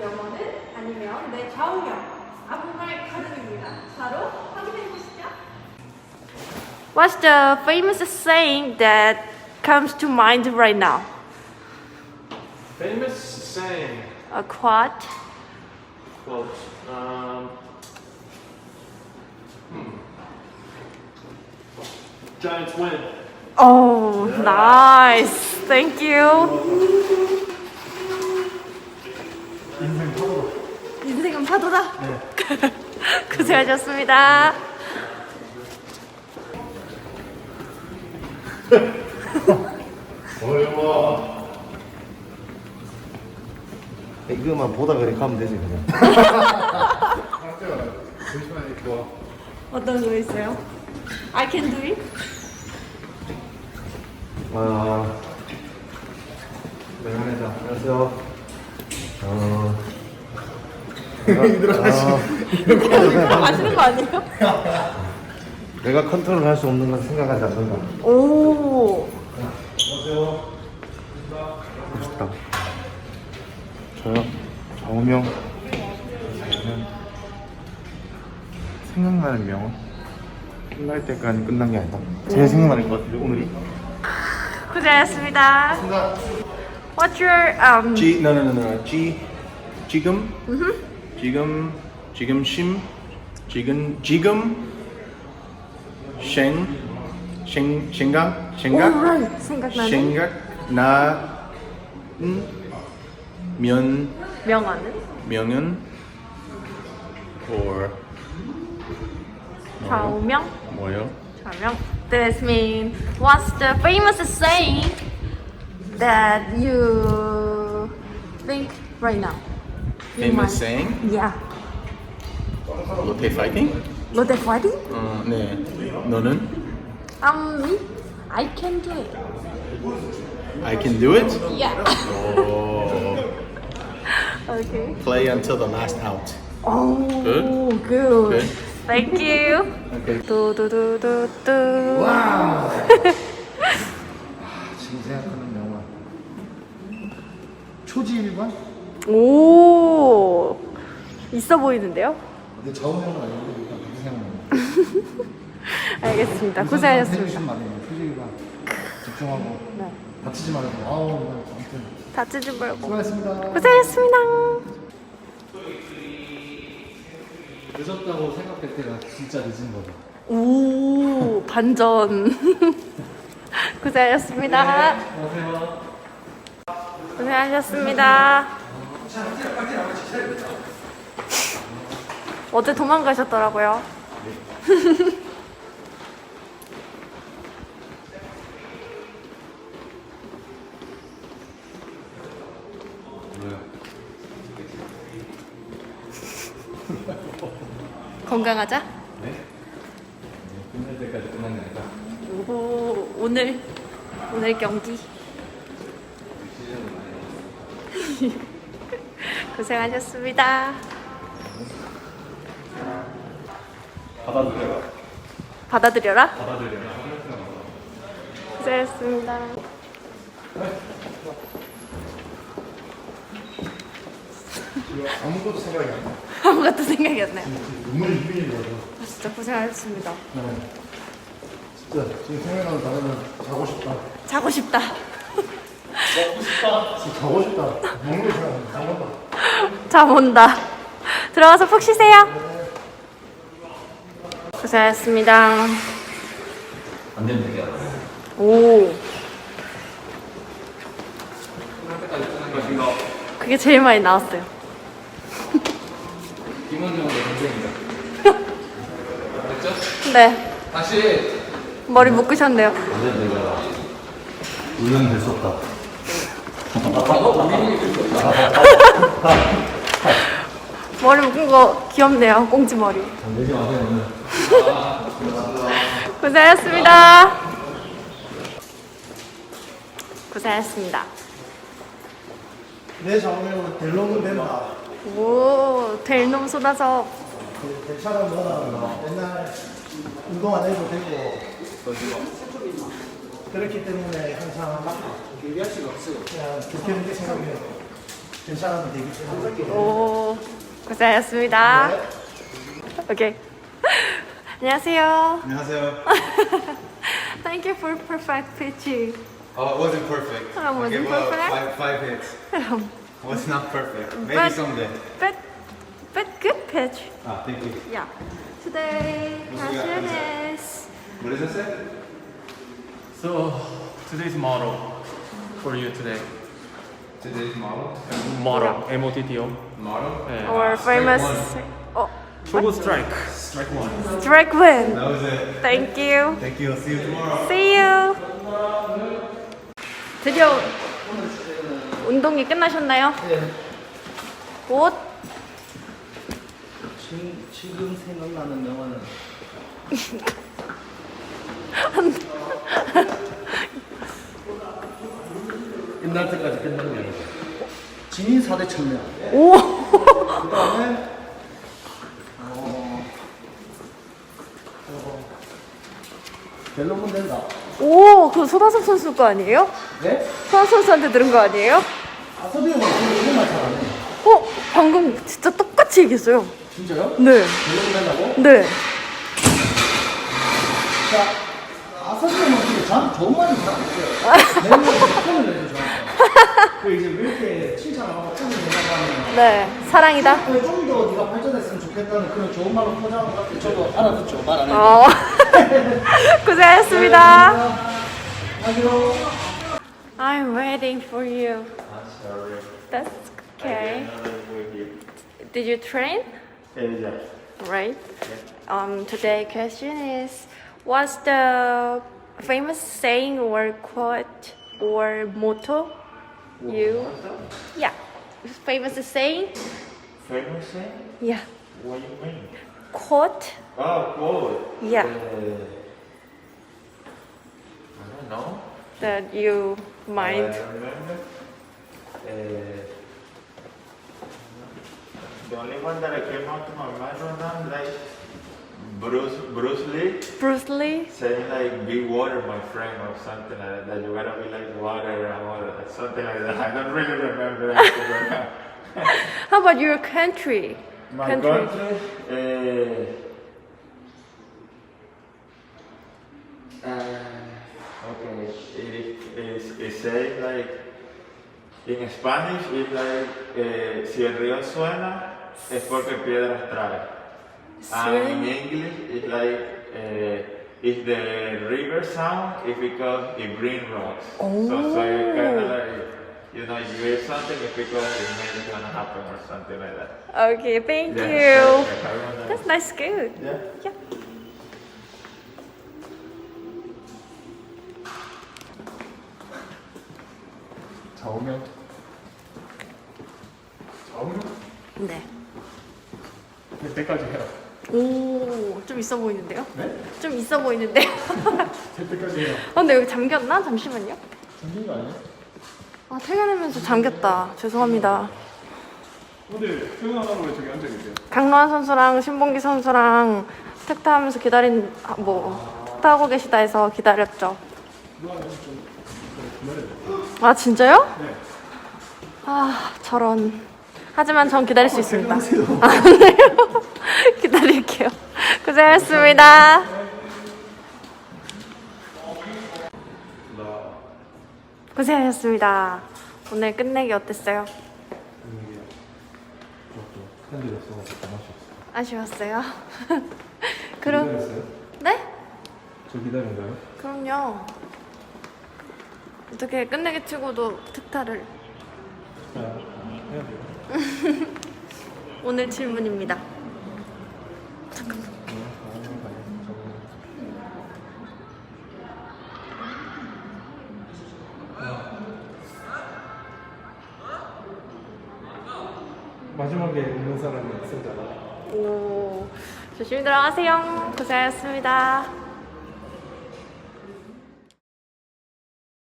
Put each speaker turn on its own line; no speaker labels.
명언은 아니면 내 좌우명 아무말 가능입니다. 바로 확인해 보시죠. What's the famous saying that comes to mind right now?
Famous saying.
A quote.
Quote. Giants win.
Oh, nice. Thank you. 인생은 파도다. 고생하셨습니다.
어려워.
이거만 보다 그래 가면 되지 그냥.
어떤 거 있어요? I can do it.
네, 안녕하세요.
아시는 거 아니에요?
내가 컨트롤할 수 없는 건 생각하지 않는다.
오.
안녕하세요. 멋있다. 저요? 좌우명. 생각나는 명언. 끝날 때까지 끝난 게 아니다. 제일 생각나는 것 같아요 오늘이.
고생하셨습니다. What's your
No. 지금. 지금 심. 생각.
Alright. 생각나는 명언은
명은 or
좌우명.
뭐요?
좌우명. This means what's the famous saying that you think right now?
Famous saying?
Yeah.
롯데 파이팅?
롯데 파이팅?
네. 너는?
Me? I can do it.
I can do it?
Yeah.
Oh.
Okay.
Play until the last out.
Oh,
Good?
good.
Good.
Thank you.
Okay.
두두두두두.
와우. 지금 생각하는 명언. 초지일관?
오, 있어 보이는데요?
근데 좌우명은 아닌데 일단 그렇게 생각나요.
알겠습니다. 고생하셨습니다.
해주신 말이에요. 초지일관. 집중하고
네.
다치지 말고. 아무튼
다치지 말고.
수고하셨습니다.
고생하셨습니다.
늦었다고 생각할 때가 진짜 늦은 거죠.
오, 반전. 고생하셨습니다.
안녕하세요.
고생하셨습니다. 어제 도망가셨더라고요. 건강하자.
네? 끝날 때까지 끝난 게 아니라
오, 오늘 경기. 고생하셨습니다.
받아들여라.
받아들여라.
받아들여라.
고생하셨습니다.
아무것도 생각이 안 나.
아무것도 생각이 안 나요.
눈물이 휘리는 거죠.
아, 진짜 고생하셨습니다.
네. 진짜 지금 생각나는 단어는 자고 싶다.
자고 싶다.
진짜 자고 싶다. 먹는 거 생각나. 잠깐만.
잠 온다. 들어가서 푹 쉬세요. 고생하셨습니다.
안 되면 되게 알아.
오,
끝날 때까지 끝난 것인가?
그게 제일 많이 나왔어요.
김원정의 동생이다. 됐죠?
네,
다시.
머리 묶으셨네요.
근데 내가 우연 될 수 없다.
머리 묶은 거 귀엽네요. 꽁지 머리.
내지 마세요 오늘.
고생하셨습니다. 고생하셨습니다.
내 좌우명은 델롱은 된다.
오, 될 놈 쏟아서.
대차는 뭐나 옛날 운동 안 해도 되고 그렇기 때문에 항상 얘기할 수가 없어요. 그냥 좋게 생각해요. 괜찮아도 되기 때문에.
오, 고생하셨습니다.
네.
오케이. 안녕하세요.
안녕하세요.
Thank you for perfect pitching.
Oh, it wasn't perfect.
Oh, it wasn't
I gave up
perfect?
five hits. Was not perfect. Maybe
But-
someday.
But good pitch.
Ah, thank you.
Yeah. Today
What's the
question
answer?
is
What does it say?
So today's model for you today.
Today's model.
Model. M-O-T-T-O.
Model.
네.
our
strike
famous.
one.
Oh,
초보 스트라이크.
Strike one.
strike win.
That was it.
Thank you.
Thank you. See you tomorrow.
See you. 드디어 운동이 끝나셨나요?
네.
곧
지금 생각나는 영화는 옛날 때까지 끝난 게 아니고 진인 4대 천명.
오.
그다음에 벨로몬 된다.
오, 그 소다섭 선수 거 아니에요?
네?
소다섭 선수한테 들은 거 아니에요?
아 서비가 정말 잘하네.
어, 방금 진짜 똑같이 얘기했어요.
진짜요?
네,
벨로몬 된다고?
네.
자, 아서비는 근데 저한테 좋은 말이 잘 없어요. 내가 칭찬을 해줘 저한테. 그 이제 왜 이렇게 칭찬하고 칭찬을 해달라고
네, 사랑이다.
하면 좀 더 네가 발전했으면 좋겠다는 그런 좋은 말로 포장한 것 같아. 저도 알아듣죠. 말 안 해도.
어. 고생하셨습니다.
안녕.
I'm waiting for you. That's okay. Did you train? Right. Today question is, what's the famous saying or quote or motto you? Yeah, famous saying.
Famous thing?
Yeah,
What do you mean?
quote.
Oh, quote.
Yeah,
I don't know.
that you might.
I remember. The only one that I came out to my mind right now is like Bruce Lee
Bruce Lee.
saying like be water my friend or something like that. You gotta be like water and water, something like that. I don't really remember that right now.
How about your country?
My country, okay, it says like, in Spanish, it's like, si el río suena, es porque piedras trae. And in English, it's like, if the river sound, it's because it brings rocks. So it's kind of like, you know, you hear something, it's because it may be gonna happen or something like that.
Okay, thank
Yeah,
you.
perfect. I remember.
That's nice, good.
Yeah.
Yeah.
좌우명. 좌우명?
네.
될 때까지 해라.
오, 좀 있어 보이는데요?
네?
좀 있어 보이는데요?
될 때까지 해라.
근데 여기 잠겼나? 잠시만요.
잠긴 거 아니야?
아, 퇴근하면서 잠겼다. 죄송합니다.
근데 퇴근하라고 왜 저기 앉아 계세요?
강로한 선수랑 신봉기 선수랑 택타하면서 택타하고 계시다 해서 기다렸죠. 아, 진짜요?
네.
아, 저런. 하지만 전 기다릴 수 있습니다. 아, 그래요? 기다릴게요. 고생하셨습니다. 고생하셨습니다. 오늘 끝내기 어땠어요? 아쉬웠어요? 그럼 네?
저 기다린가요?
그럼요. 어떻게 끝내기 치고도 특타를
해야 돼요.
오늘 질문입니다.
마지막에 있는 사람이 승자다.
오, 조심히 들어가세요. 고생하셨습니다.